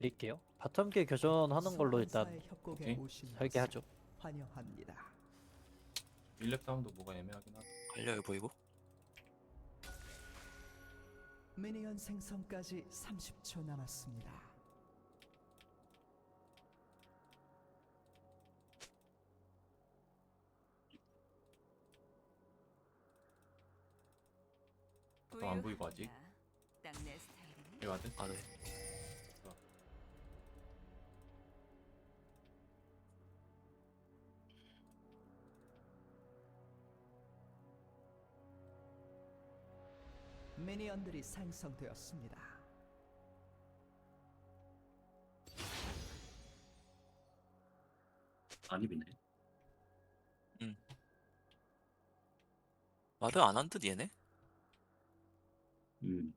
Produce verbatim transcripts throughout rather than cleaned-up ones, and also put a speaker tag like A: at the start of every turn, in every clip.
A: 드릴게요. 바텀계 교전하는 걸로 일단
B: 소환사의 협곡에
C: 오케이.
B: 오신 것을
A: 설계하죠.
B: 환영합니다.
C: 일렙 사운드 뭐가 애매하긴 하다.
D: 갈려요 보이고.
B: 미니언 생성까지 삼십 초 남았습니다.
C: 바텀 안 보이고 아직.
E: 딱내 스타일이네.
C: 여기 와드.
D: 아 네.
B: 미니언들이 생성되었습니다.
F: 많이 비네.
D: 와드 안 한 듯 얘네?
F: 음.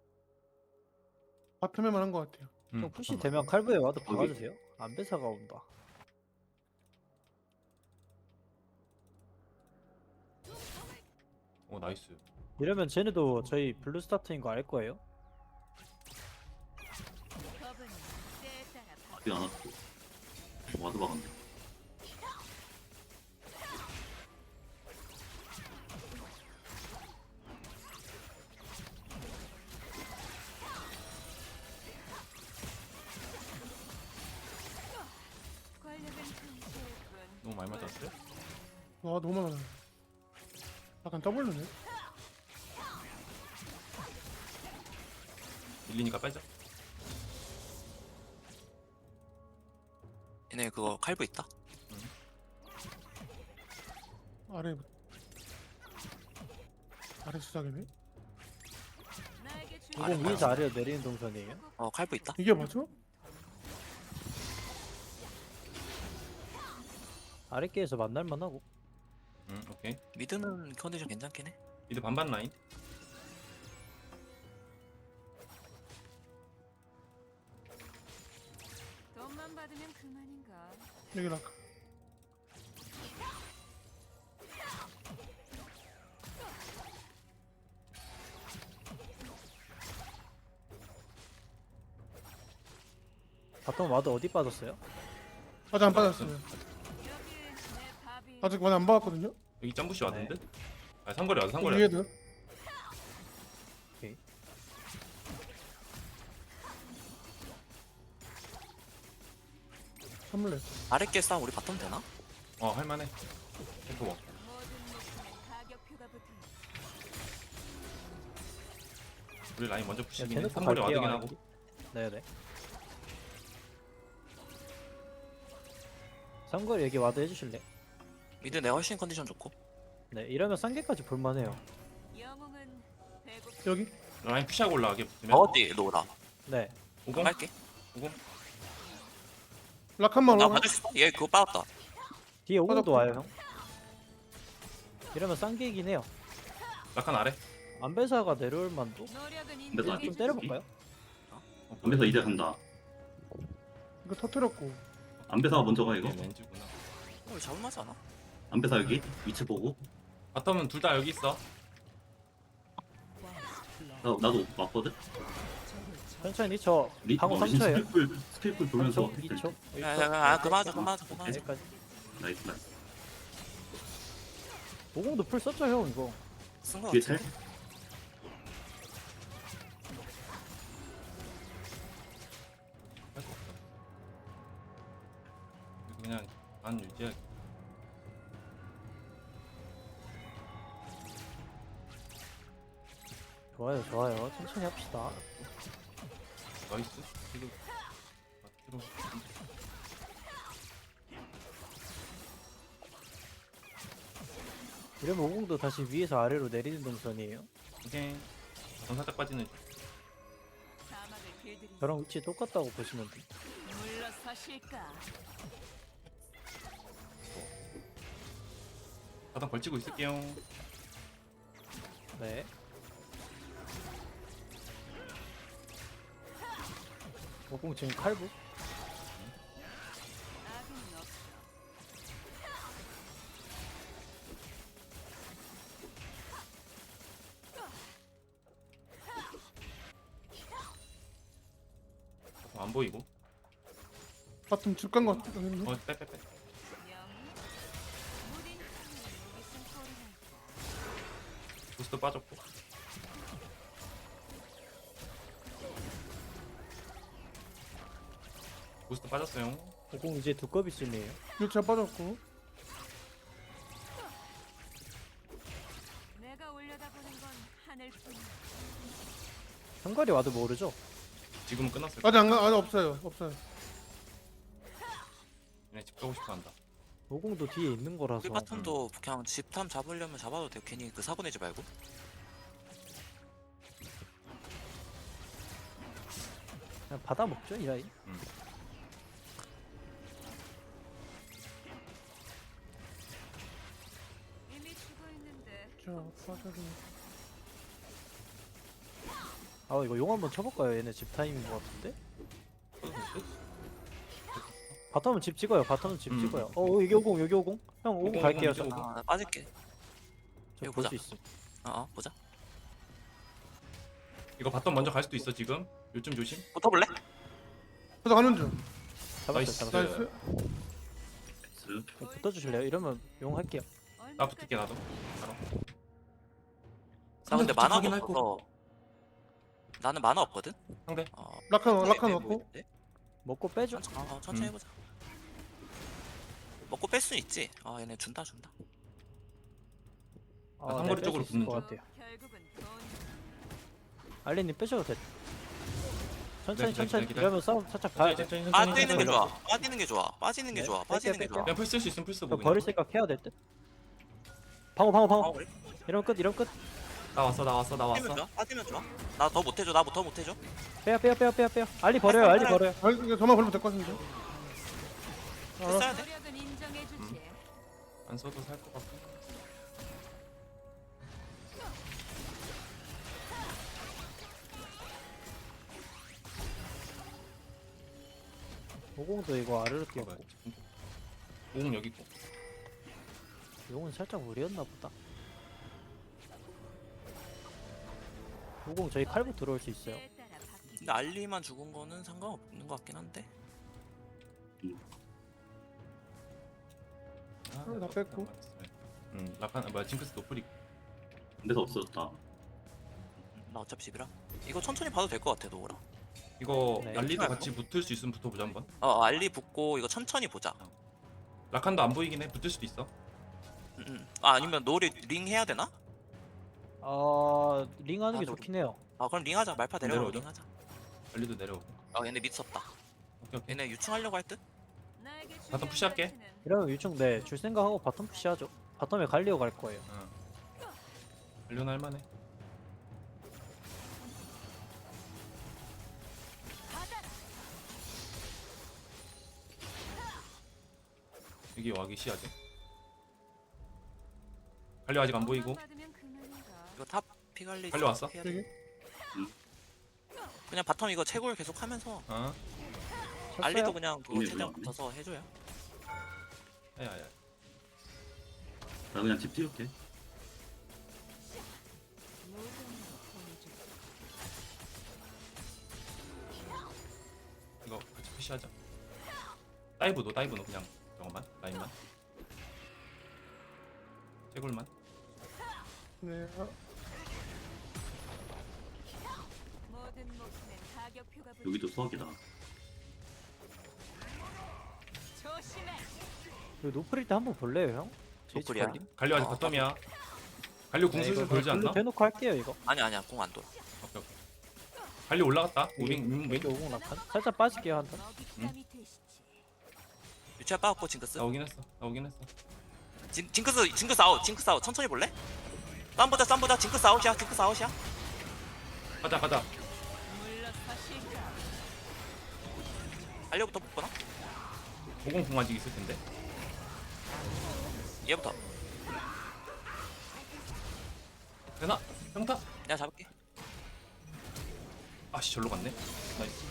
G: 바텀에만 한 것 같아요.
C: 음,
A: 좀 푸시
C: 바텀
A: 되면
C: 맞아.
A: 칼부에 와도
F: 거기.
A: 박아주세요. 안배사가 온다.
C: 오 나이스.
A: 이러면 쟤네도 저희 블루 스타트인 거 알 거예요.
E: 법은 때에 따라 바-
F: 아직 안 왔고. 와드 박았네.
E: 권력은 금실뿐.
C: 너무 많이 맞았어요?
G: 와 너무 많아. 약간 더블로네.
C: 밀리니까 빼자.
D: 얘네 그거 칼부 있다.
G: 아래 아래 수작이네.
E: 나에게 줄
A: 이거
D: 아래
A: 위에서 아래로 내리는 동선이에요.
D: 어 칼부 있다.
G: 이게 맞아?
A: 아랫계에서 만날만 하고.
C: 음 오케이.
D: 미드는 컨디션 괜찮긴 해.
C: 이제 반반 라인.
E: 돈만 받으면 그만인가.
G: 여기 락.
A: 바텀 와드 어디 빠졌어요?
G: 아직 안 빠졌어요.
E: 여기 내 밥이.
G: 아직 많이 안 박았거든요.
C: 여기 점부시 왔는데? 아 상거리 와드 상거리 와드.
G: 위에도.
A: 오케이.
G: 선물래.
D: 아랫게 싸움 우리 바텀 되나?
C: 어 할만해. 템포 먹.
E: 모든 목숨엔 가격표가 붙어.
C: 우리 라인 먼저
A: 그냥
C: 푸시긴 해.
A: 대놓고
C: 상거리
A: 갈게요.
C: 와드긴 하고.
A: 네네. 상거리 여기 와드 해주실래?
D: 미드 내가 훨씬 컨디션 좋고.
A: 네, 이러면 쌍계까지 볼만해요.
E: 영웅은 배고
G: 여기.
C: 라인 푸시하고 올라가게 붙으면.
D: 어디 로라.
A: 네,
C: 오공.
D: 갈게.
C: 오공.
G: 락 한 번
D: 나
G: 올라가.
D: 봐줄 수 있어? 얘 그거 빠졌다.
A: 뒤에 오공도
G: 빠졌고.
A: 와요 형. 이러면 쌍계이긴 해요.
C: 라칸 아래.
A: 안배사가 내려올 만도?
E: 노력은
F: 근데
E: 인정해
F: 나
A: 좀
E: 주지.
A: 때려볼까요?
C: 어,
F: 안배사 이제 간다.
G: 이거 터뜨렸고.
F: 안배사가 먼저 가 이거.
C: 이게 렌즈구나.
D: 어 잡을만하지 않아?
F: 안배사 여기 위치 보고.
C: 바텀은 둘 다 여기 있어.
F: 나 나도 왔거든.
A: 천천히 저
F: 리,
A: 방어
F: 어,
A: 삼 초예요.
F: 스킬풀 스킬풀 돌면서.
A: 이 초.
D: 야야야 그만하자 그만하자 그만하자.
A: 여기까지.
F: 나이스 나이스.
A: 오공도 풀 썼죠 형 이거.
D: 쓴거
F: 뒤에
D: 같아.
F: 텔.
C: 할 수 없어. 이거 그냥 안 유지해.
A: 좋아요 좋아요. 천천히 합시다.
C: 나이스. 뒤로. 아, 뒤로.
A: 이러면 오공도 다시 위에서 아래로 내리는 동선이에요.
C: 오케이. 전 살짝 빠지는.
E: 사막을 길들이.
A: 저랑 위치 똑같다고 보시면 돼.
E: 물러서실까.
C: 바닥 걸치고 있을게요.
A: 네. 오공 지금 칼부?
E: 악은 없어.
C: 안 보이고.
G: 바텀 줄간 것 같은데.
C: 어, 빼, 빼, 빼.
E: 영웅 무딘 창문 목이 쓴 소리 날까.
C: 부스도 빠졌고. 부스도 빠졌어요.
A: 오공 이제 두꺼비 쯤이에요.
G: 일차 빠졌고.
E: 내가 올려다보는 건 하늘뿐이야.
A: 현갈이 와도 모르죠?
C: 지금은 끝났을
G: 아직 안 가, 아직 없어요. 없어요.
C: 얘네 집 가고 싶어 한다.
A: 오공도 뒤에 있는 거라서.
D: 우리 바텀도 그냥 집탐 잡으려면 잡아도 돼. 괜히 그 사고 내지 말고.
A: 그냥 받아 먹죠 이 라인.
E: 이미 죽어 있는데.
G: 자, 빠져도.
A: 아 이거 용 한번 쳐볼까요? 얘네 집 타임인 것 같은데? 바텀은 집 찍어요. 바텀은 집
C: 음.
A: 찍어요. 어 여기 오공 여기 오공. 형 오공
C: 오공,
A: 갈게요.
C: 오공,
A: 저
C: 오공.
D: 아, 나 빠질게. 이거
A: 볼
D: 보자.
A: 수 있어.
D: 어, 어 보자.
C: 이거 바텀 먼저 갈 수도 있어 지금. 요즘 조심.
D: 붙어볼래?
G: 그래서 가는 중.
A: 잡았어요.
C: 나이스.
A: 잡았어요.
G: 나이스.
F: 나이스.
A: 붙어주실래요? 이러면 용 할게요.
C: 나 붙을게 나도. 바로.
D: 나 근데
C: 상대
D: 만화가
C: 확인할 거.
D: 없어서. 나는 만화 없거든.
C: 상대.
D: 어,
G: 라칸,
D: 네,
G: 라칸
D: 네,
G: 왔고.
D: 보이는데?
A: 먹고 빼죠.
D: 천천히, 어, 천천히
C: 음.
D: 해보자. 먹고 뺄 수 있지. 아 얘네 준다 준다.
A: 아,
C: 상거리
A: 네,
C: 쪽으로
A: 뺄수 있을
C: 붙는
A: 것
C: 중.
A: 같아요.
E: 결국은 돈.
A: 알리님 빼셔도 돼. 천천히
C: 기다려,
A: 천천히
C: 기다려.
A: 이러면 싸움 살짝 봐야 돼.
C: 천천히, 천천히,
D: 빠지는 게
C: 천천히.
D: 좋아. 빠지는 게 좋아. 빠지는 게
A: 네,
D: 좋아.
A: 뺄게요,
D: 빠지는 게
A: 뺄게요.
D: 좋아.
C: 그냥 풀 쓸 수 있으면 풀 쓰고.
A: 저
C: 그냥.
A: 버릴 생각 해야 될 듯. 방어 방어
D: 어,
A: 방어.
D: 그래?
A: 이러면 끝 이러면 끝.
C: 나 왔어 나 왔어 나
D: 빠지면
C: 왔어.
D: 좋아. 빠지면 좋아. 나 더 못해줘. 나 더 못해줘.
A: 빼요 빼요 빼요 빼요 빼요. 알리 버려요 알리 버려요.
G: 아, 이거 저만 걸면 될 것 같은데. 알았어.
D: 써야 돼.
E: 노력은 인정해주지.
C: 안 써도 살 것 같고.
A: 오공도 이거 아래로 뛰었고.
C: 오공 여기 있고.
A: 용은 살짝 무리였나 보다. 오공 저희 칼부 들어올 수 있어요.
E: 때에 따라 바뀌지.
D: 근데 알리만 죽은 거는 상관없는 것 같긴 한데.
C: 아,
G: 다 뺐고.
C: 응 라칸 아, 뭐야 징크스 노플이.
F: 근데서 없어졌다.
D: 나 어차피 집이라. 이거 천천히 봐도 될 것 같아 노우라.
C: 이거
A: 네.
C: 알리도 같이 붙을 수 있으면 붙어보자 한번.
D: 어 어, 알리 붙고 이거 천천히 보자.
C: 라칸도 안 보이긴 해. 붙을 수도 있어.
D: 음, 음. 아 아니면 노리 링 해야 되나?
A: 아 링하는 게
D: 아,
A: 좋긴 해요.
D: 아 그럼 링 하자. 말파 내려오고
C: 내려오자.
D: 링 하자.
C: 알리도 내려오고.
D: 아 얘네 밑 썼다.
C: 오케이 오케이.
D: 얘네 유충하려고 할 듯?
E: 나에게
C: 바텀
E: 중요한
C: 푸시할게.
E: 가치는
A: 이러면 유충 네줄 생각하고 바텀 푸시하죠. 바텀에 갈리오 갈 거예요.
C: 응. 알리오는 할만해. 여기 와기 시야지. 갈리오 아직 안 보이고.
E: 받으면 그만인가.
D: 이거 탑 피갈리.
C: 빨리 왔어?
D: 해야 돼.
G: 여기.
D: 그냥 바텀 이거 채굴 계속 하면서
C: 어.
D: 알리도
A: 쳤어요?
D: 그냥 그거
F: 이게
D: 최대한
F: 뭐야?
D: 붙어서 해줘요.
C: 야야야.
F: 나 그냥 집 띄울게.
E: 모든 걸 보내줄.
C: 이거 같이 푸시하자. 다이브도 다이브도 그냥 저거만 라인만. 채굴만.
G: 네. 아,
E: 모든 목숨엔 가격표가 붙.
F: 여기도 수학이다.
E: 조심해.
A: 이거 노플일 때 한번 볼래요 형? 제이치
D: 노플이야?
A: 갈림?
C: 갈리오 아직
D: 어,
C: 바텀이야. 갈리오 궁
A: 네,
C: 슬슬
A: 이거
C: 돌지 않나?
A: 글로 대놓고 할게요 이거.
D: 아니 아니야 공 안 돌아.
C: 오케이 오케이. 갈리오 올라갔다. 우린 음,
A: 왼쪽
C: 왼
A: 오공 낙한. 살짝 빠질게요 한 턴.
E: 먹잇감이 되시지.
D: 유치아 빠졌고 징크스.
C: 나오긴 했어. 나오긴 했어.
D: 징, 징크스 징크스 아웃 징크스 아웃 천천히 볼래? 쌈 보자 쌈 보자 징크스 아웃이야 징크스 아웃이야.
C: 가자 가자.
E: 물러서실까.
D: 알려부터 붙거나?
C: 오공 궁 아직 있을 텐데.
D: 얘부터.
C: 되나? 평타?
D: 내가 잡을게.
C: 아씨 절로 갔네. 나이스.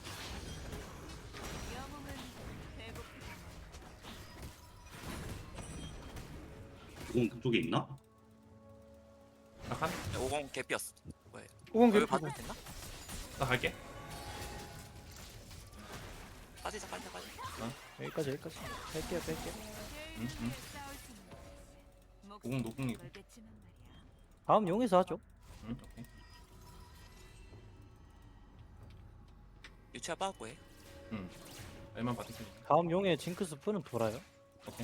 E: 영웅은 배고프.
F: 오공 그쪽에 있나?
C: 라칸?
D: 오공 개피였어. 왜?
G: 오공
D: 여기
G: 개피고.
D: 봐도 됐나?
C: 나 갈게.
D: 빠지자 빠지자 빠지자.
A: 여기까지 여기까지. 뺄게요 뺄게요.
C: 응, 응. 오공 노공이고.
A: 다음 용에서 하죠.
C: 응, 오케이.
D: 유치아 빠졌고 해.
C: 응. 알만 받을 테니까.
A: 다음 용에 징크스 푸는 돌아요.
C: 오케이.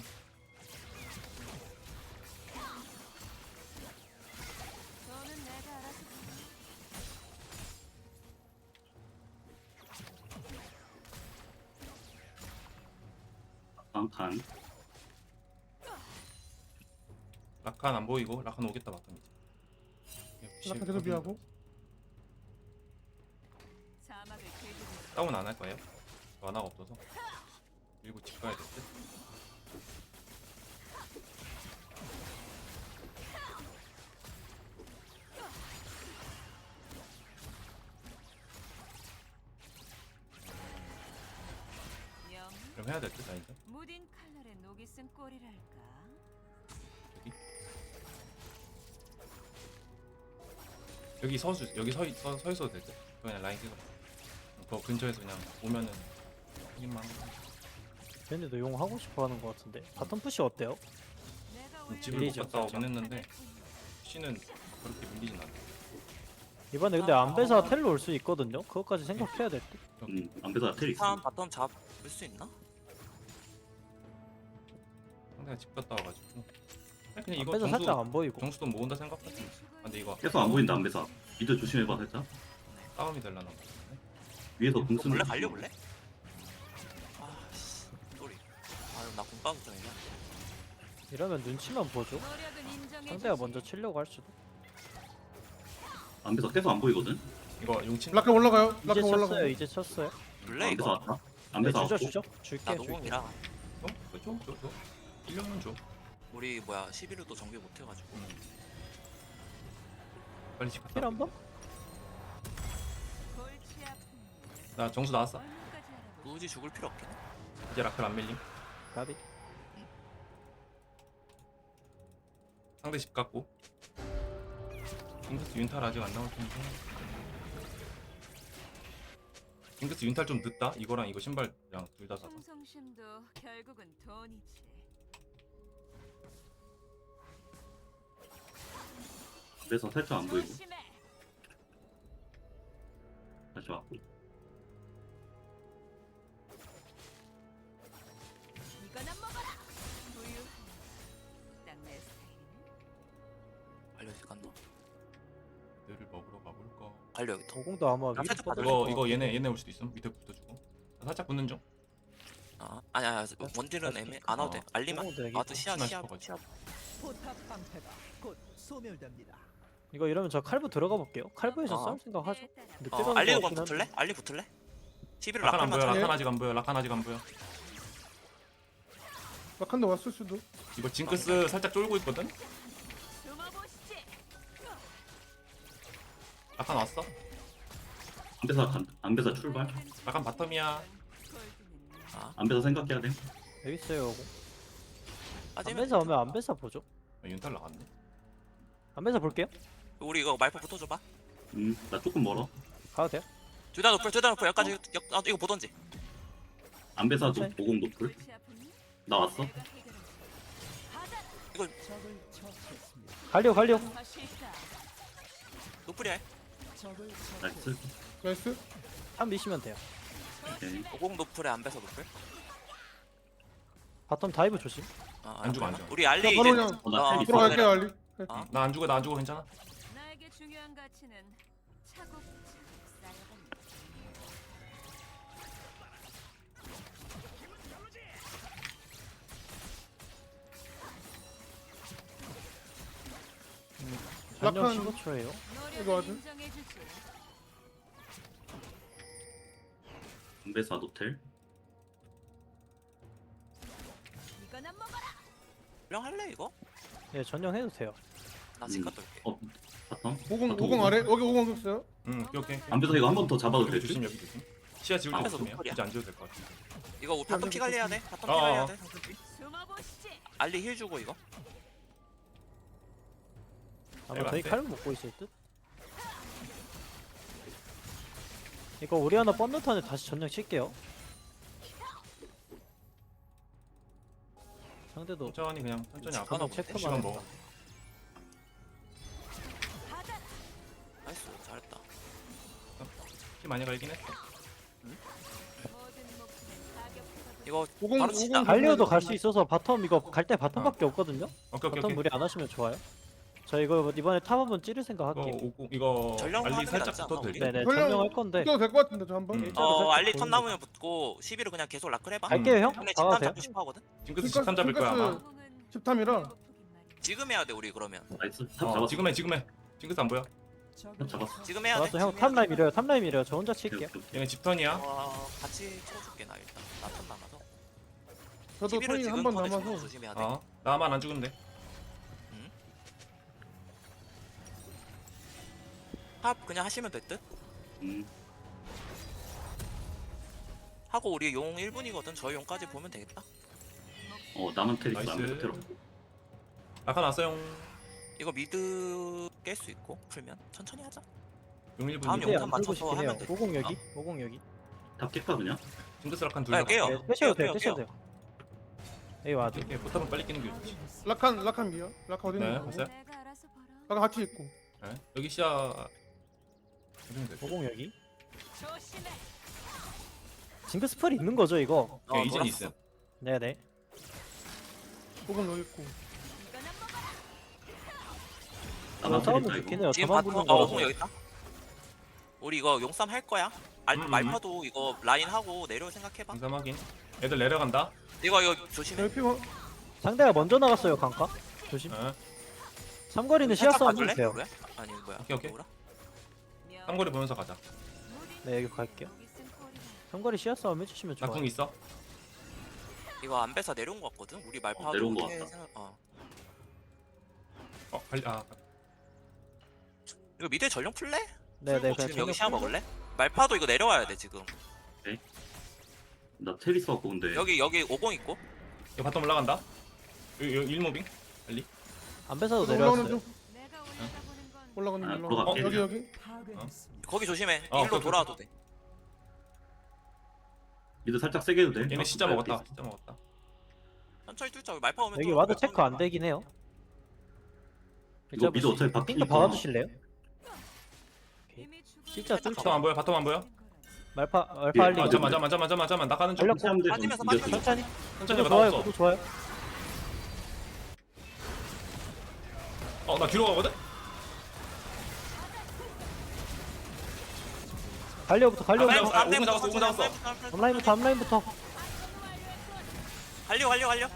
E: 저는 내가 알아서
F: 다음 칸.
C: 라칸 안 보이고 라칸 오겠다 봤더니.
G: 라칸 계속 비하고.
E: 사막을 길들이고
C: 다운 안 할 거예요? 만화가 없어서. 그리고 집 가야 될 듯.
E: 영
C: 그럼 해야 될 듯, 아닌데?
E: 무딘 칼날에 녹이 쓴 꼴이랄까.
C: 여기 서주 여기 서, 서, 서 있어도 될 듯. 그냥 라인 찍어. 그 근처에서 그냥 오면은 힘만.
A: 쟤네도 용 하고 싶어 하는 것 같은데. 바텀 푸시 어때요?
E: 내가 원래
C: 집을 못
A: 밀리죠.
C: 갔다 오긴 했는데 씨는 그렇게 밀리진 않아.
A: 이번에 근데 안배사 텔로 올 수 있거든요. 그것까지 생각해야 될 듯.
F: 음, 안배사 텔 있어.
D: 다음 바텀 잡을 수 있나?
C: 상대가 집 갔다 와가지고. 아니, 그냥 이거
A: 안배사 살짝
C: 정수
A: 안 보이고.
C: 정수도 모은다 생각했지. 아, 근데 이거
F: 계속 안 보인다 안배사. 미드 조심해봐 살짝.
C: 싸움이 되려나.
F: 위에서
D: 너
F: 공 쓰는.
D: 몰래 갈려볼래? 아씨 소리. 아유 나공 빠졌잖아
A: 이러면 눈치만 보죠.
E: 노력은 인정해
A: 상대가 먼저 치려고 할 수도.
F: 안배사 계속 안 보이거든.
C: 이거 용친.
G: 라칸 올라가요.
A: 이제
G: 라칸 올라가.
A: 쳤어요. 이제 쳤어요.
D: 블레
F: 안배사
D: 이거.
F: 왔다.
A: 네,
F: 안배사
A: 주죠
F: 왔고.
A: 주죠. 줄게
D: 나
A: 줄게.
D: 노공이라.
C: 어? 그거 줘? 줘? 줘? 일 년은 줘.
D: 우리 뭐야 십일호도 정비 못해가지고.
C: 빨리 집 갔다
A: 힐
C: 와.
A: 한 번?
E: 골치 아픈
C: 나 정수 나왔어.
E: 얼마까지 알아보고
D: 굳이 죽을 필요 없긴 해.
C: 이제 라클 안 밀림.
A: 가비.
C: 상대 집 갔고. 징크스 윤탈 아직 안 나올 텐데. 징크스 윤탈 좀 늦다. 이거랑 이거 신발이랑 둘 다 사서.
E: 충성심도 결국은 돈이지.
F: 안배사 살짝 안 보이고.
E: 조심해.
F: 다시 왔고.
E: 이거나 먹어라. 부유한 딱내 스타일이네.
D: 갈려 어디 갔나?
C: 얘를 먹으러 가볼까.
D: 갈려 여기 더.
A: 오공도 아마
D: 나
A: 위로
D: 살짝
A: 뻗을
C: 이거
A: 것
C: 이거
A: 같긴
C: 얘네
A: 해.
C: 얘네 올 수도 있음. 밑에 붙어주고. 나 살짝 붙는 중.
D: 아 아니 아니 원딜은 애매 안 와도 돼. 알리만.
A: 오공 되게
D: 아도 시야
C: 혹시나
D: 시야
C: 싶어가지고.
D: 시야.
B: 포탑 방패가 곧 소멸됩니다.
A: 이거 이러면 저 칼부 들어가 볼게요. 칼부에서
D: 어.
A: 싸울 생각하죠.
E: 내 따라.
A: 늦게
D: 어
A: 가는
D: 알리로
A: 것
D: 건
A: 같긴
D: 붙을래?
A: 한데.
D: 알리 붙을래? 십일호
C: 라칸 안 보여.
D: 라칸만
C: 라칸
D: 차.
C: 아직 안 보여. 라칸 아직 안 보여.
G: 라칸도 왔을 수도.
C: 이거 징크스 살짝 쫄고 있거든.
E: 숨어보시지.
C: 라칸 왔어.
F: 안배사 간. 안배사 출발.
C: 라칸 바텀이야.
D: 아
F: 안배사 생각해야 돼.
A: 여기 있어요. 오공.
D: 빠지면
A: 안배사 오면 안배사 보죠.
C: 아, 윤탈 나갔네.
A: 안배사 볼게요.
D: 우리 이거 말파 붙어줘봐.
F: 음, 나 조금 멀어.
A: 가도 돼요?
D: 둘다 높을 둘다 높을 여기까지 역, 아, 이거 보던지.
F: 안배사도
A: 천천히.
F: 오공 높을.
E: 골치 아프니?
F: 나 왔어.
E: 내가 해결해줄게. 받아.
B: 적을 처치했습니다.
A: 갈려 갈려.
E: 사실상
D: 노플이야. 해.
B: 적을
F: 나이스.
B: 처치했습니다.
G: 나이스.
A: 한 미시면 돼요.
F: 오케이.
D: 오공 노플에 안 뺏어 노플.
A: 바텀 다이브 조심.
D: 아,
C: 안 죽어, 안
D: 그러나?
C: 죽어.
D: 우리 알리
G: 자, 바로
D: 이제
G: 그냥
F: 어, 나
D: 어,
F: 텔 있어.
G: 들어갈게요 알리.
D: 어?
C: 나 안 죽어. 나 안 죽어. 괜찮아.
E: 나에게 중요한 가치는 차곡차곡 쌓여갑니다.
A: 전력
G: 라칸.
A: 십오 초예요.
G: 이거
E: 노력을
G: 하죠?
E: 인정해주지.
F: 안배사 노텔.
E: 이거나 먹어라.
D: 령 할래 이거?
A: 네 전령 해도 돼요.
D: 나
F: 음.
D: 지금 갔다 올게.
F: 어, 바텀.
G: 오공
F: 바텀
G: 오공 아래. 여기 오공 있어요.
C: 응, 오케이 오케이.
F: 안배사 이거 한 번 더 잡아도
C: 여기
F: 될
C: 조심
F: 듯?
C: 여기 조심. 시야 지울 때
D: 앞에서
C: 없으면
D: 노플이야.
C: 굳이 안 지워도 될 것 같아.
D: 이거 바텀 피 관리해야 돼. 바텀 피
C: 어,
D: 관리해야
C: 어.
D: 돼.
E: 숨어보시지.
D: 알리 힐 주고 이거.
A: 아마
C: 내가
A: 저희
C: 안 돼.
A: 칼부 먹고 있을 듯. 이거 우리 하나 뻔듯한데 다시 전령 칠게요. 상대도
C: 천천히 그냥 천천히 앞으로
A: 한번
D: 뭐
A: 체크만
C: 시간
A: 해봐.
C: 먹어.
E: 받아라.
D: 나이스 잘했다.
C: 피 많이 갈긴 했어.
E: 모든 목숨은 가격부터
D: 이거
G: 오공
D: 바로 치자.
G: 오공
A: 갈리오도 갈 수 있어서 바텀 이거 갈 때 바텀밖에 없거든요.
C: 오케이 오케이
A: 바텀
C: 오케이.
A: 무리 안 하시면 좋아요. 저 이거 이번에 탑 한번 찌를 생각
C: 이거
A: 할게요.
C: 오공 이거
D: 전령
C: 알리
D: 하는 게
C: 살짝
D: 낫지 않나,
C: 붙어도
D: 우리?
C: 될 듯?
A: 네네
G: 전령-
A: 전령할 건데
G: 이거 될것 같은데 저 한번.
C: 음.
A: 일자로
D: 어
A: 살짝
D: 알리 턴
A: 보이는
D: 남으면 붙고 시비를 그냥 계속 라클 해봐.
A: 갈게요 형.
D: 근데 집탐
A: 나가세요.
D: 잡고 싶어 하거든.
C: 징크스
G: 징크스-
C: 십삼 잡을 거야 아마.
G: 징크스- 십탐이라.
D: 지금 해야 돼 우리 그러면.
F: 나이스. 탑
C: 어,
F: 잡았어.
C: 지금 해 지금 해. 징크스 안 보여?
B: 적을
F: 잡았어.
D: 지금 해야 돼.
A: 알았어 형
D: 지금 해야
A: 탑라인
D: 돼.
A: 밀어요. 탑라인 밀어요. 저 혼자
F: 오케이,
A: 칠게요.
F: 오케이, 오케이.
C: 얘네 집턴이야.
D: 어 같이 쳐줄게 나 일단. 나턴 남아서.
G: 저도
D: 시비를
G: 턴이
D: 지금
G: 한 번
D: 턴에
G: 남아서.
D: 주면 조심해야 돼.
C: 어 나만 안 죽으면 돼.
D: 탑 그냥 하시면 될 듯.
F: 음.
D: 하고 우리 용 일 분이거든. 저희 용까지 보면 되겠다.
F: 어 남은 테리스
C: 나이스.
F: 남은 테러.
C: 아까 났어요.
D: 이거 미드 깰 수 있고 풀면 천천히 하자.
C: 용 일
D: 다음
C: 분.
A: 네,
D: 용탄
A: 안
D: 맞춰서
A: 들고 싶긴 해요.
D: 하면 돼.
A: 오공 여기. 오공 여기.
F: 탑 깰까 그냥?
C: 징크스 락한 둘.
D: 야,
C: 다.
D: 깨요.
A: 네, 떼셔도 돼요.
D: 깨요,
A: 떼셔도
D: 깨요.
A: 돼요. 여기 와도.
C: 이렇게 포탑은 빨리 끼는 게 좋지.
G: 라칸 라칸 미야. 라칸 어디
C: 네,
G: 있는 거?
C: 봤어요?
E: 내가 알아서 벌어.
G: 라칸 같이 있고.
C: 네. 여기 시야. 해주면 돼.
A: 오공 여기.
E: 조심해.
A: 징크 스펠 있는 거죠 이거?
D: 어,
C: 이젠
D: 놀았어.
C: 있음.
A: 네네.
G: 오공 여기 있고.
E: 이거나 먹어라.
F: 나만
A: 싸우면
F: 테리스
A: 좋긴
F: 이거.
A: 해요.
D: 지금
A: 저만
D: 바텀
A: 보는
D: 어
A: 거라서.
D: 공 여기 있다. 우리 이거 용쌈 할 거야. 알,
C: 음, 음,
D: 말파도 이거 라인 하고 내려올 생각해봐.
C: 인삼 확인. 애들 내려간다.
D: 이거 이거 조심해.
G: 여기 피고.
A: 상대가 먼저 나갔어요 강가. 조심.
C: 어.
A: 삼거리는 시야
D: 살짝
A: 싸움
D: 봐줄래?
A: 해주세요.
D: 그래? 아니 뭐야?
C: 오케이, 오케이.
D: 뭐라?
C: 삼거리 보면서 가자.
A: 네 여기 갈게요. 삼거리 시야 싸움 해주시면 좋아요.
C: 나궁 있어.
D: 이거 안 뺏어 내려온 거 같거든. 우리 말파도
F: 어, 내려온 거
D: 어떻게
F: 같다.
D: 생각- 어.
C: 어 빨리 아.
D: 이거 미드 전령 풀래?
A: 네네
D: 풀고
A: 그냥
D: 지금 여기
A: 전력
D: 시야
A: 풀고.
D: 먹을래? 말파도 이거 내려와야 돼 지금.
F: 나 테리스 갖고 온데.
D: 여기 여기 오공 있고.
C: 이거 바텀 올라간다. 여기 여기 일무빙. 빨리.
A: 안 뺏어도
G: 올라오는
A: 내려왔어요.
G: 중.
E: 내가 올라가보는 건
G: 올라가는
F: 아,
G: 중.
F: 올라가.
G: 올라가. 여기 여기.
B: 파괴했습니다.
D: 거기 조심해.
C: 어,
D: 일로
C: 오케이,
D: 돌아와도 돼.
F: 미드 살짝 세게 해도 돼.
C: 얘네 진짜 먹었다. 진짜 먹었다.
D: 천천히 뚫자. 우리 말파 오면
A: 여기
D: 또
A: 와드
D: 몇
A: 체크
D: 번
A: 안 되긴 해요.
F: 이거 미드 어차피
A: 핑크
F: 바뀌니까.
A: 박아주실래요?
E: 이미 죽은
A: 진짜
E: 자가
A: 뚫죠.
C: 바텀 안 보여? 바텀 안 보여?
A: 말파
F: 예,
A: 말파 알리.
F: 아,
C: 아 잠만 잠만 잠만 잠만 잠만 나 가는 중.
A: 전력
F: 사람들
D: 빠지면서
F: 좀
D: 빠지면서
F: 이겼어.
A: 천천히.
C: 천천히
A: 구도
C: 가
A: 좋아요.
C: 나왔어.
A: 구도 좋아요.
C: 어나 뒤로 가거든.
A: 갈려부터
C: 아,
A: 갈려부터.
C: 아, 오공 잡았어, 오공 잡았어.
A: 앞라인부터 앞라인부터.
D: 갈려 갈려 갈려.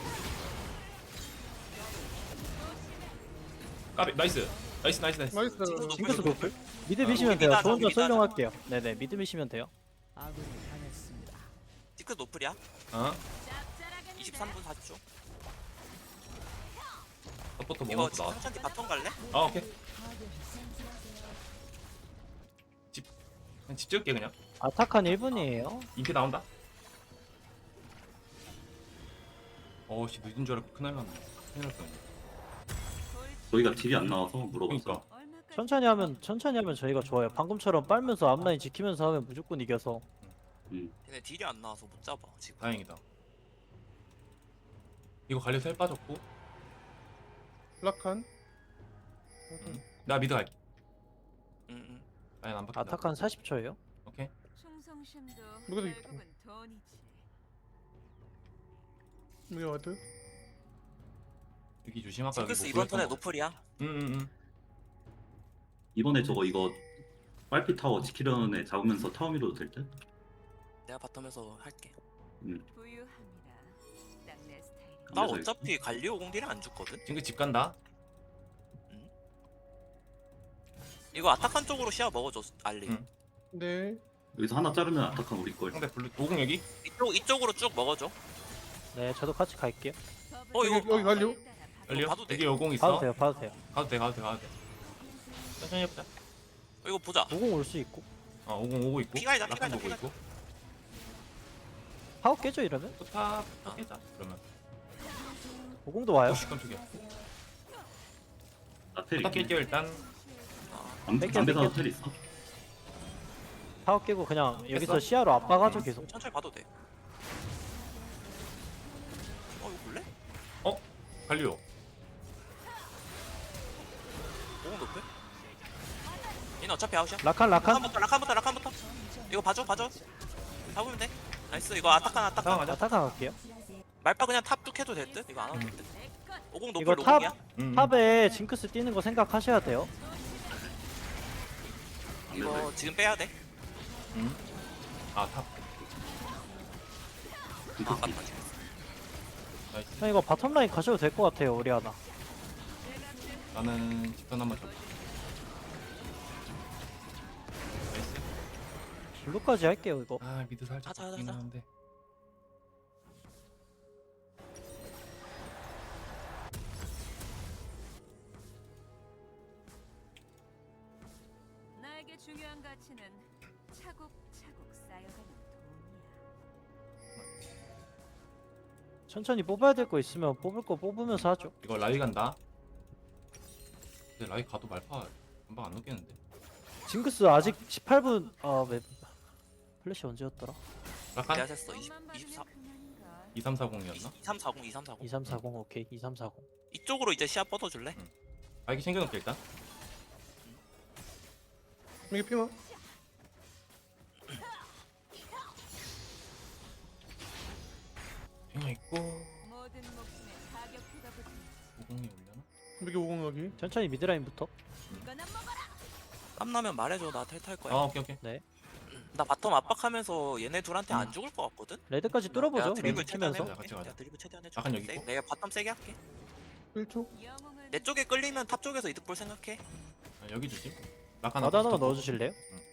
C: 까비 나이스. 나이스 나이스 나이스.
G: 나이스.
A: 징크스 노플. 미드
D: 어,
A: 미시면
D: 우리
A: 돼요.
D: 미드
A: 저 혼자
D: 하자, 미드 하자.
A: 설명할게요. 네네 미드 미시면 돼요.
B: 아군이 당했습니다.
D: 티크 노플이야.
C: 어.
D: 이십삼 분 사십 초.
C: 서포터
D: 이거
C: 먹어서 나왔어.
D: 천천히 바텀 갈래?
C: 아 오케이. 집 그냥 집 지을게 그냥.
A: 아타칸 일 분이에요.
C: 인피 나온다. 어씨 늦은 줄 알고 큰일 났네. 큰일 났어.
F: 저희가 딜이 안 나와서 물어봤어.
C: 그러니까.
A: 천천히 하면 천천히 하면 저희가 좋아요. 방금처럼 빨면서 앞라인 지키면서 하면 무조건 이겨서.
F: 음.
D: 얘네 딜이 안 나와서 못 잡아 지금.
C: 다행이다. 이거 관리 셀 빠졌고.
G: 라칸.
C: 응. 나 미드 갈게.
D: 응응.
C: 아니 안 바뀐다.
A: 아타칸 사십 초예요.
C: 오케이.
E: 충성심도
G: 누구도 있고.
E: 결국은 돈이지.
G: 여기 와드.
C: 여기 조심 아까 여기
D: 징크스
C: 뭐
D: 이번 턴에
C: 보였던 거.
D: 노플이야.
C: 응응응.
F: 이번에 저거 이거 빨피 타워 지키려는 애 잡으면서 타워 밀어도 될 듯?
D: 내가 바텀에서 할게.
E: 부유합니다. 딱 내 스타일.
D: 나
F: 그래서
D: 어차피 갈리오 공딜이 안 죽거든.
C: 징크 집 간다.
D: 이거 아타칸 쪽으로 시야 먹어줘 알리.
C: 응.
G: 네.
F: 여기서 하나 자르면 아타칸 우리 걸.
C: 상대 블루 오공 여기.
D: 이쪽 이쪽으로 쭉 먹어줘.
A: 네 저도 같이 갈게요.
D: 어 이거
G: 여기, 여기 갈려?
C: 열려.
D: 봐도 돼.
C: 여기 오공
A: 봐도
C: 있어.
A: 돼요. 봐도 돼요.
C: 가도 돼 가도 돼 가도 돼. 천천히 해보자.
D: 어, 이거 보자.
A: 오공 올 수 있고.
C: 어 오공 오고 있고.
D: 피가이다,
C: 라칸
D: 피가이다,
C: 보고
D: 피가이다.
C: 있고.
A: 파워 깨져 이러면?
C: 포탑 포탑 깨자. 그러면.
A: 오공도 와요.
C: 오씨 깜짝이야.
F: 나 텔
C: 포탑
F: 있네.
C: 깰게요 일단.
F: 안,
A: 뺄게요,
F: 안 배사도
A: 뺄게요.
F: 텔 있어.
A: 파워 깨고 그냥 여기서
C: 됐어?
A: 시야로 압박하죠 계속.
D: 천천히 봐도 돼. 어 이거 볼래?
C: 갈리오.
D: 오공 높을? 얘는 어차피 아웃이야.
A: 라칸 라칸.
D: 라칸부터 라칸부터 라칸부터. 이거 봐줘 봐줘. 잡으면 돼. 나이스. 이거 아타칸 아타칸.
C: 상황하자.
A: 아타칸 갈게요.
D: 말파 그냥 탑 뚝 해도 될 듯? 이거 안 해도 될 듯? 오공
A: 이거
D: 높을
A: 탑
D: 오공이야?
C: 음.
A: 탑에 징크스 뛰는 거 생각하셔야 돼요.
D: 이거 지금 빼야 돼.
C: 음. 아 탑.
D: 아,
F: 징크스.
D: 아깝다 지금.
C: 나이스.
A: 형 이거 바텀 라인 가셔도 될 것 같아요. 우리 하나.
C: 나는 직선 한번 잡. 나이스.
A: 블루까지 할게요 이거.
C: 아 미드 살짝
D: 하자, 하자,
C: 바뀌긴
D: 하자.
C: 하는데.
E: 나에게 중요한 가치는 차곡차곡 쌓여가는 돈이야.
A: 천천히 뽑아야 될 거 있으면 뽑을 거 뽑으면서 하죠.
C: 이거 라이 간다. 근데 라이 가도 말파 금방 안 녹겠는데.
A: 징크스 아직 십팔 분. 아 맵. 플래시 언제였더라?
C: 라칸
D: 내가 셌어. 이십,
E: 돈만
D: 이십사,
E: 받으면 그만인가.
C: 이삼사공이었나?
D: 이삼사공, 이삼사공.
A: 이삼사공 오케이. 이삼사공.
D: 이쪽으로 이제 시야 뻗어줄래?
C: 아 이게 챙겨놓게 일단.
G: 이게 피마.
C: 핑하 있고
E: 모든 목숨에 가격표가 붙은
C: 오공이 올려나?
G: 이게 오공 여기.
A: 천천히 미드라인부터.
E: 이거나 먹어라.
D: 땀나면 말해줘. 나 텔 탈 거야.
C: 아 오케이 오케이.
D: 나 바텀 압박하면서 얘네 둘한테
C: 음.
D: 안 죽을 것 같거든?
A: 레드까지 뚫어보죠.
D: 내가 드리블
A: 레드
D: 최대한
A: 치면서.
D: 해볼게.
C: 같이 가자.
D: 내가 드리블 최대한 해줘.
C: 약간 여기 있고.
D: 내가 바텀 세게 할게.
G: 일 초.
E: 영웅은
D: 내 쪽에 끌리면 탑 쪽에서 이득 볼 생각해.
C: 아, 여기 주지. 라칸
A: 나도 하나만
C: 붙었고.
A: 넣어주실래요?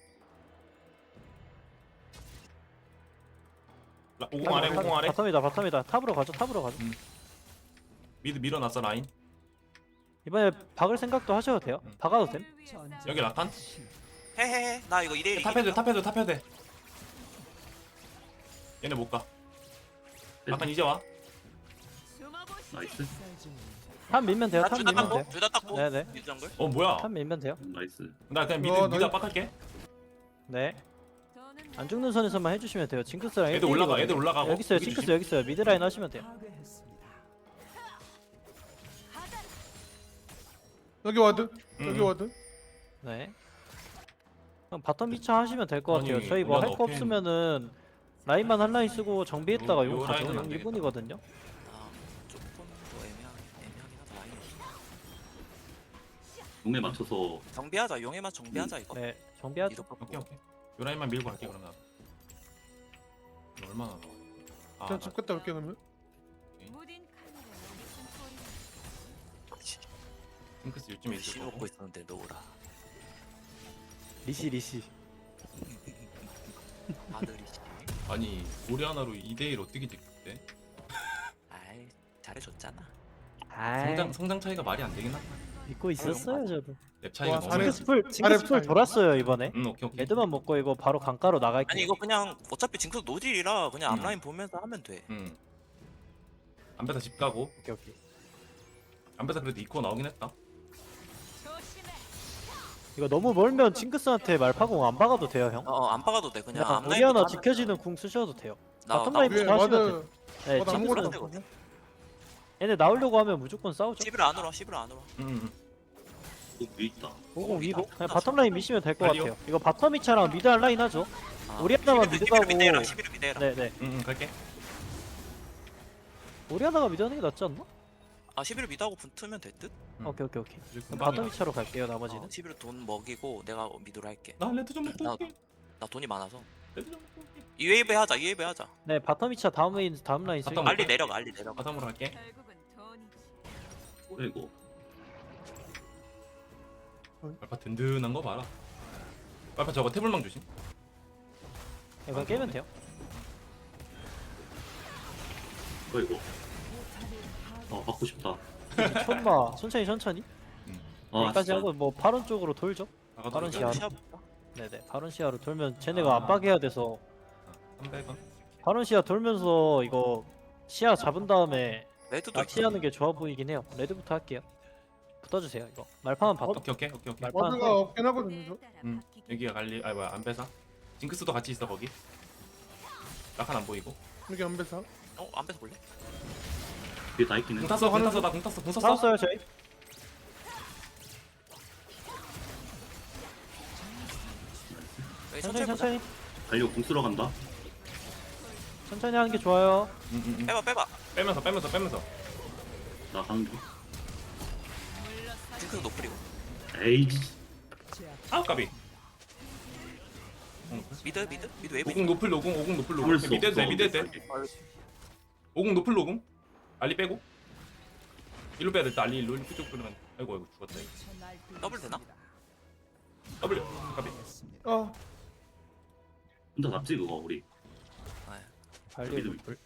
C: 라- 오공 아래 오공 아래.
A: 바텀이다 바텀이다. 탑으로 가죠. 탑으로 가죠.
C: 미드 밀어놨어 라인.
A: 이번에 박을 생각도 하셔도 돼요.
C: 음.
A: 박아도 됨.
E: 위해 싸워.
C: 여기 라칸.
D: 헤헤헤. 나 이거 이대일
C: 탑헤드 탑헤드 탑헤드. 얘네 못 가. 라칸 이제 와.
E: 숨어보시지.
F: 나이스.
A: 탑 밀면 돼요. 탑
D: 둘다
A: 밀면 돼요.
D: 닦고. 둘다 닦고.
A: 네네.
D: 미드 정글.
C: 어 뭐야?
A: 탑 밀면 돼요.
F: 나이스.
C: 나 그냥 미드
G: 어,
C: 미드
G: 나-
C: 압박할게.
A: 네.
E: 돈은
A: 안 죽는 선에서만 해주시면 돼요. 징크스랑
C: 애들 올라가
A: 일대일이거든요.
C: 애들 올라가고.
A: 여기 있어요.
C: 여기
A: 징크스
C: 주심.
A: 여기 있어요. 미드라인 하시면 돼요.
B: 파괴했습니다.
G: 여기 와드.
C: 음.
G: 여기 와드.
A: 네. 그럼 바텀 미차 하시면 될 것 같아요.
C: 아니,
A: 저희 뭐 할 거
C: 올라가,
A: 없으면 라인만 한 라인 쓰고 정비했다가
C: 요-
A: 용
C: 요
A: 가죠.
C: 라인은
A: 용
C: 안
A: 일
C: 되겠다.
A: 분이거든요.
D: 아, 조금 더 애매하긴 애매하긴 하다. 라인이.
F: 용에 맞춰서
D: 정비하자. 용에만 정비하자 이거.
A: 네. 정비하죠.
D: 이득 뽑고.
C: 오케이 오케이. 요 라인만 밀고 갈게 그러면. 이거 얼마나 나와? 아,
G: 그냥 집 갔다 올게 그러면.
E: 무딘 카메라 무슨 소리.
D: 씨,
C: 핑크스 요즘에 있을
D: 씨
C: 거고.
D: 먹고 있었는데 노라.
A: 리시 리시.
D: 아들이 씨.
C: 아니 우리 하나로 이 대 일 어떻게 됐대?
D: 아이 잘해줬잖아.
A: 아.
C: 성장 성장 차이가 말이 안 되긴 하다.
A: 믿고 있었어요 저도.
C: 랩 차이가
G: 와,
C: 너무.
G: 잘해.
C: 많이-
A: 징크스 풀
G: 아래
A: 징크스 풀
G: 붙어요.
A: 돌았어요 이번에.
C: 음 오케이 오케이.
A: 레드만 먹고 이거 바로 강가로 나갈게요.
D: 아니 이거 그냥 어차피 징크스 노딜이라 그냥
C: 음.
D: 앞라인 보면서 하면 돼.
C: 음. 안배사 집 가고.
A: 오케이 오케이.
C: 안배사 그래도 이코 나오긴 했다.
E: 조심해.
A: 이거 너무 멀면 징크스한테 말파공 안 박아도 돼요 형.
D: 어 안 박아도 돼. 그냥
A: 그냥 우리
D: 앞라인부터
A: 하나
D: 하면
A: 지켜지는 궁 쓰셔도 돼요.
D: 나,
A: 바텀
D: 나
A: 라인
G: 위에
A: 부터 하시면
G: 와드.
A: 돼요. 네,
G: 와드 아무것도
A: 징크스
G: 안
D: 되거든.
G: 썼네.
A: 얘네 나오려고 하면 무조건 싸우죠.
D: 십일 안으로 십일 안으로.
C: 음, 음.
F: 또 위에 있다.
A: 오공 위고
D: 다
A: 그냥
D: 끝났어.
A: 바텀 라인 미시면 될 것
C: 갈리오?
A: 같아요. 이거 바텀 미차랑 미드 한 라인 하죠.
D: 아,
A: 우리 하나만
D: 십일,
A: 미드
D: 십일
A: 가고.
D: 미드해라. 십일 미드해라.
A: 네네.
C: 음, 음 갈게.
A: 우리 하나가 미드 하는 게 낫지 않나?
D: 아 십일 미드하고 붙으면 될 듯?
C: 음.
A: 오케이 오케이 오케이.
C: 이제
A: 그럼
C: 금방이야.
A: 바텀 미차로 갈게요 나머지는.
D: 어, 십일 돈 먹이고 내가 미드로 할게.
C: 나 레드 좀 먹고
D: 나-
C: 올게.
D: 나 돈이 많아서.
C: 레드 좀 먹고 올게.
D: 이 웨이브 하자. 이 웨이브 하자.
A: 네 바텀 미차 다음 라인 다음 라인 쓸게요.
C: 바텀
D: 알리 내려가. 알리 내려가.
C: 바텀으로 갈게.
E: 결국은 돈이지.
F: 뭐야 이거?
C: 알파 든든한 거 봐라. 알파 저거 태블망 조심.
A: 이거 깨면 돼요.
F: 뭐야 이거? 아 받고 싶다.
A: 천마 천천히 천천히.
F: 아
A: 여기까지
F: 진짜.
A: 하고 뭐 바론 쪽으로 돌죠.
C: 나가도
A: 바론
C: 되죠?
A: 시야.
D: 시야 볼까?
A: 네네 바론 시야로 돌면 쟤네가 압박해야 돼서
C: 삼백 원.
A: 바론 시야 돌면서 이거 시야 잡은 다음에
D: 레드도
A: 낚시하는 게 좋아 보이긴 해요. 레드부터 할게요. 붙어주세요 이거. 말파만 바텀.
C: 오케이 오케이 오케이 오케이.
A: 말-
G: 와드가 없긴 하거든요. 저.
C: 음 여기가 갈리. 아 뭐야 안배사. 징크스도 같이 있어 거기. 라칸 안 보이고.
G: 여기 안배사.
D: 어? 안 뺏어 볼래?
F: 뒤에 다 있긴 해.
C: 공 탔어 공 탔어 나공 탔어 공 탔어.
A: 싸웠어요 저희.
D: 여기
A: 천천히
D: 천천히 보자.
A: 천천히
F: 달려 공 쓰러 간다.
A: 천천히 하는 게 좋아요.
C: 응, 응, 응.
D: 빼봐 빼봐.
C: 빼면서 빼면서 빼면서.
F: 나 가는 중.
D: 징크스 노플이고.
F: 에이.
C: 아 까비.
D: 미드 미드 미드 웨이브.
C: 오공 노플 노공 오공 노플 노공.
F: 참을 수
C: 미드 돼
F: 없어.
C: 미드 돼. 오공 노플 노공. 알리 빼고. 일로 빼야 돼. 알리 일로 이쪽 끌면. 아이고 아이고 죽었다. 이거.
D: 더블 되나?
C: 더블. 까비.
G: 어.
F: 혼자 잡지 그거 우리.
D: 아,
A: 발리
F: 미드
A: 노플.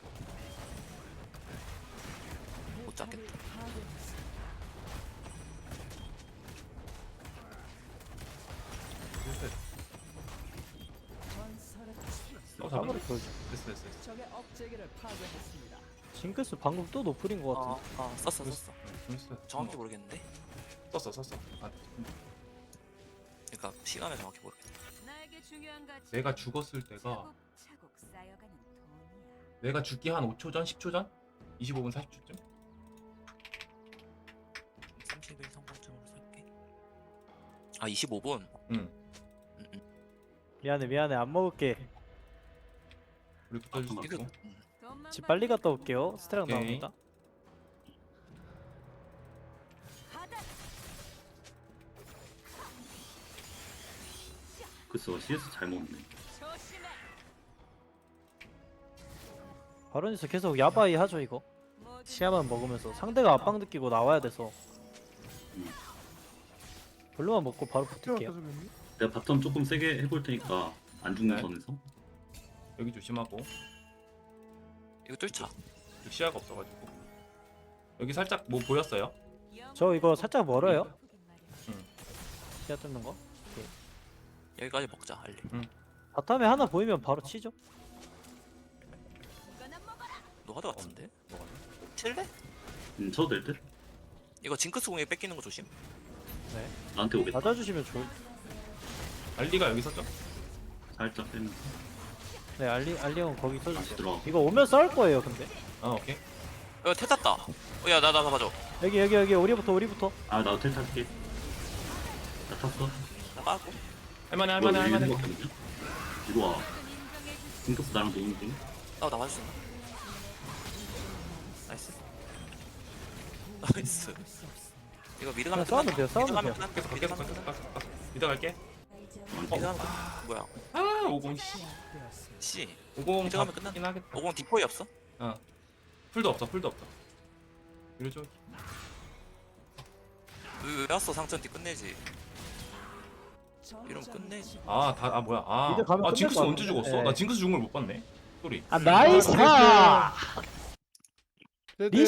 D: 못 잡겠다.
C: 어 잡아.
A: 까버리 보여줘.
C: 됐어 됐어. 됐어.
B: 적의 억제기를 파괴했습니다.
A: 징크스 방금 또 노플인 것
D: 어,
A: 같은데.
D: 어 썼어 썼어.
C: 재밌어.
D: 정확히 모르겠는데.
C: 썼어 썼어. 아,
D: 그러니까 시간을 정확히 모르겠다.
E: 나에게 중요한 가치.
C: 내가 죽었을 때가
E: 차곡차곡 쌓여가는 돈이야.
C: 내가 죽기 한 오 초 전, 십 초 전, 이십오 분 사십 초쯤.
D: 삼십 일 성공점으로 살게. 아 이십오 분.
C: 응.
D: 음, 음.
A: 미안해 미안해 안 먹을게.
C: 우리 붙어줄 수
D: 이거
C: 있고.
D: 음.
E: 돈만
A: 집 빨리 갔다 올게요. 스테랑
C: 오케이.
A: 나옵니다.
E: 받아.
F: 글쎄 씨에스 잘 먹네.
E: 조심해.
A: 바론에서 계속 야바이 하죠 이거.
E: 모든
A: 시야만 먹으면서 상대가 압박 느끼고 나와야 돼서. 블루만 먹고 바로
G: 태워
A: 붙을게요.
G: 계속 있니?
F: 내가 바텀 조금 세게 해볼 테니까 안 죽는
C: 네.
F: 선에서.
C: 여기 조심하고.
D: 이거 뚫자.
C: 여기 시야가 없어가지고. 여기 살짝 뭐 보였어요?
A: 저 이거 살짝 멀어요.
D: 음.
A: 시야 뚫는 거.
D: 여기까지 먹자 알리.
A: 바텀에 하나 보이면 바로 치죠.
E: 이거나 먹어라.
D: 노하드 같은데?
C: 뭐가?
D: 칠래?
F: 음 쳐도 될 듯?
D: 이거 징크스 공에 뺏기는 거 조심.
F: 나한테 오겠다.
A: 맞아주시면 좋을.
C: 알리가 여기 있었죠?
F: 살짝 빼면.
A: 네 알리 알리온 거기
F: 다시
A: 써주세요.
F: 들어가.
A: 이거 오면 싸울 거예요 근데.
C: 아 오케이.
D: 야 태탔다. 야나 나 봐줘.
A: 여기 여기 여기 우리부터 우리부터.
F: 아 나도 텔 탈게. 나 탔어.
D: 나 빠고.
C: 할만해
F: 이거
C: 할만해 할만해.
F: 일곱 개거든요? 이리 와.
E: 인정해 주지.
F: 징크스 나랑 노는 중.
D: 나 나와줄 수 있나? 나이스. 나이스. 이거 미드 가면
A: 그냥 싸우면
D: 끝난다.
A: 돼요, 싸우면
D: 미드 가면
A: 돼요.
D: 끝난다.
C: 계속
D: 미드
C: 계속
D: 가면
C: 계속
D: 끝난다.
C: 계속 계속. 믿어 갈게.
D: 미드 가면 끝난다. 뭐야?
C: 아 오공 씨.
D: 씨.
C: 오공
D: 미드 가면
C: 잡긴
D: 끝난다.
C: 하겠다.
D: 오공 디포이 없어?
C: 어. 풀도 없어 풀도 없어. 이러죠.
D: 왜, 왜 왔어 상천띠 끝내지. 이러면 끝내지.
C: 아 다 아 뭐야 아.
A: 미드 가면
C: 아
A: 끝날
C: 징크스
A: 것
C: 언제
A: 같은데.
C: 죽었어?
A: 네.
C: 나 징크스 죽은 걸 못 봤네. 소리.
A: 아 나이스.
G: 아,
A: 리시